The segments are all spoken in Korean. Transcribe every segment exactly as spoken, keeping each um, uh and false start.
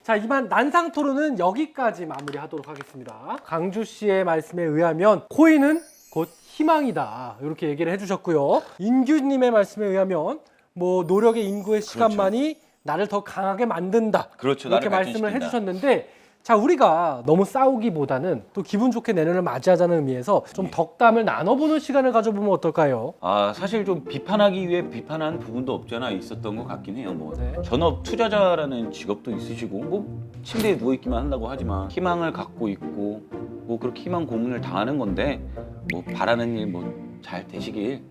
자, 이만 난상 토론은 여기까지 마무리하도록 하겠습니다. 강주 씨의 말씀에 의하면 코인은 곧 희망이다 이렇게 얘기를 해주셨고요. 인규님의 말씀에 의하면 뭐 노력의 인구의 시간만이 나를 더 강하게 만든다. 그렇죠. 이렇게 나를 말씀을 발전시킨다. 해주셨는데, 자, 우리가 너무 싸우기보다는 또 기분 좋게 내년을 맞이하자는 의미에서 좀 예. 덕담을 나눠보는 시간을 가져보면 어떨까요? 아 사실 좀 비판하기 위해 비판한 부분도 없잖아 있었던 것 같긴 해요. 뭐 네. 전업 투자자라는 직업도 있으시고 뭐 침대에 누워 있기만 한다고 하지만 희망을 갖고 있고 뭐 그렇게 희망 고문을 당하는 건데 뭐 바라는 일 뭐 잘 되시길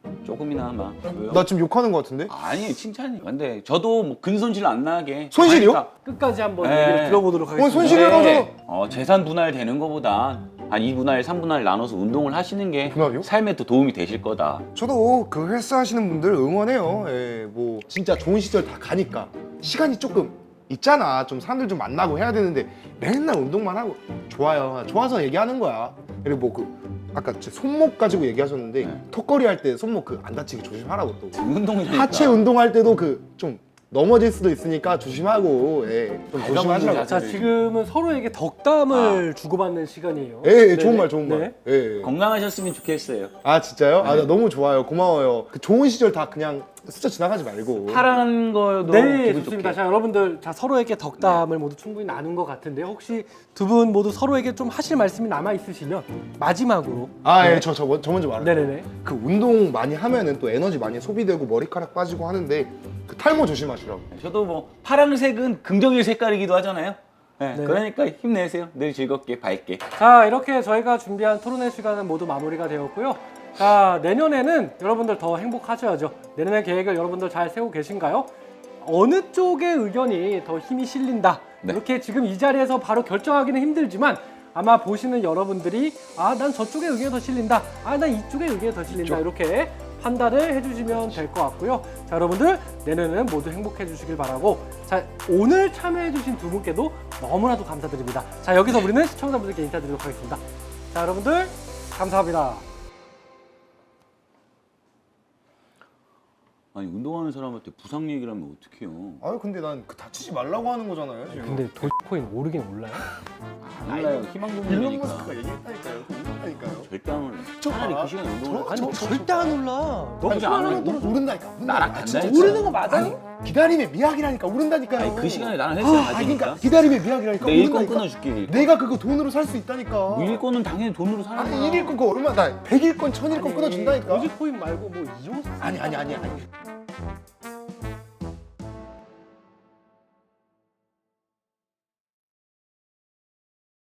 조금이나마. 왜요? 나 지금 욕하는 거 같은데? 아니 칭찬이. 근데 저도 뭐 근손실 안 나게 손실이요? 하니까 끝까지 한번 네. 얘기를 들어보도록 하겠습니다. 어, 손실을 네. 어, 재산 분할 되는 것보다 한 이 분할, 삼 분할 나눠서 운동을 하시는 게 분할이요? 삶에 더 도움이 되실 거다. 저도 그 헬스 하시는 분들 응원해요. 예, 뭐 진짜 좋은 시절 다 가니까 시간이 조금 있잖아. 좀 사람들 좀 만나고 해야 되는데 맨날 운동만 하고 좋아요. 좋아서 얘기하는 거야. 그리고 뭐 그 아까 제 손목 가지고 얘기하셨는데 네. 턱걸이 할 때 손목 그 안 다치게 조심하라고 또. 운동이니까. 하체 운동할 때도 그 좀 넘어질 수도 있으니까 조심하고 예, 좀 발가벗는 조심하시라고. 자, 지금은 서로에게 덕담을 주고받는 시간이에요. 예, 예, 네네. 좋은 말, 좋은 말. 네. 예, 예. 건강하셨으면 좋겠어요. 아 진짜요? 아, 네. 나 너무 좋아요. 고마워요. 그 좋은 시절 다 그냥 스쳐 지나가지 말고. 파란 거도 네, 기분 좋습니다. 좋게. 자, 여러분들, 자, 서로에게 덕담을 모두 충분히 나눈 것 같은데, 혹시 두 분 모두 서로에게 좀 하실 말씀이 남아 있으시면 마지막으로. 아, 예, 네. 저, 저, 먼- 저 먼저 말할게요. 네네네. 그 운동 많이 하면은 또 에너지 많이 소비되고 머리카락 빠지고 하는데 그 탈모 조심하시라고. 저도 뭐 파란색은 긍정의 색깔이기도 하잖아요. 네, 네. 그러니까 힘내세요. 늘 즐겁게 밝게. 자, 이렇게 저희가 준비한 토론회 시간은 모두 마무리가 되었고요. 자, 내년에는 여러분들 더 행복하셔야죠. 내년의 계획을 여러분들 잘 세우고 계신가요? 어느 쪽의 의견이 더 힘이 실린다. 네. 이렇게 지금 이 자리에서 바로 결정하기는 힘들지만, 아마 보시는 여러분들이 아, 난 저쪽의 의견이 더 실린다. 아, 난 이쪽의 의견이 더 실린다. 이렇게 판단을 해주시면 될 것 같고요. 자, 여러분들 내년에는 모두 행복해 주시길 바라고, 자, 오늘 참여해 주신 두 분께도 너무나도 감사드립니다. 자, 여기서 우리는 시청자분들께 인사드리도록 하겠습니다. 자, 여러분들 감사합니다. 아니 운동하는 사람한테 부상 얘기를 하면 어떡해요. 아유, 근데 난 그 다치지 말라고 하는 거잖아요, 지금. 근데 도지코인 오르긴 올라요? 몰라요. 희망 일론 고문이니까. 머스크가 얘기했다니까요. 얘기했다니까요. 절대 안 올라. 저 차라리 봐라. 그 시간에 운동을 저- 하지. 아니, 저- 절대 안 올라. 너 아니, 안 희망을 올라. 떨어져. 오른다니까. 오른다니까. 나랑 아, 간다 진짜 했잖아. 오르는 거 맞아요? 기다림의 미학이라니까 오른다니까요. 아니 그 시간에 나랑 헬스를 아, 가지니까. 그러니까 기다림의 미학이라니까 내 일권 오른다니까. 끊어줄게. 일권. 내가 그거 돈으로 살 수 있다니까. 뭐 일권은 당연히 돈으로 사는 거야. 아니 일일권 그거 얼마 나 백일권 천일권 끊어준다니까. 도지코인 말고 뭐 이용 아니 아니 아니 아니.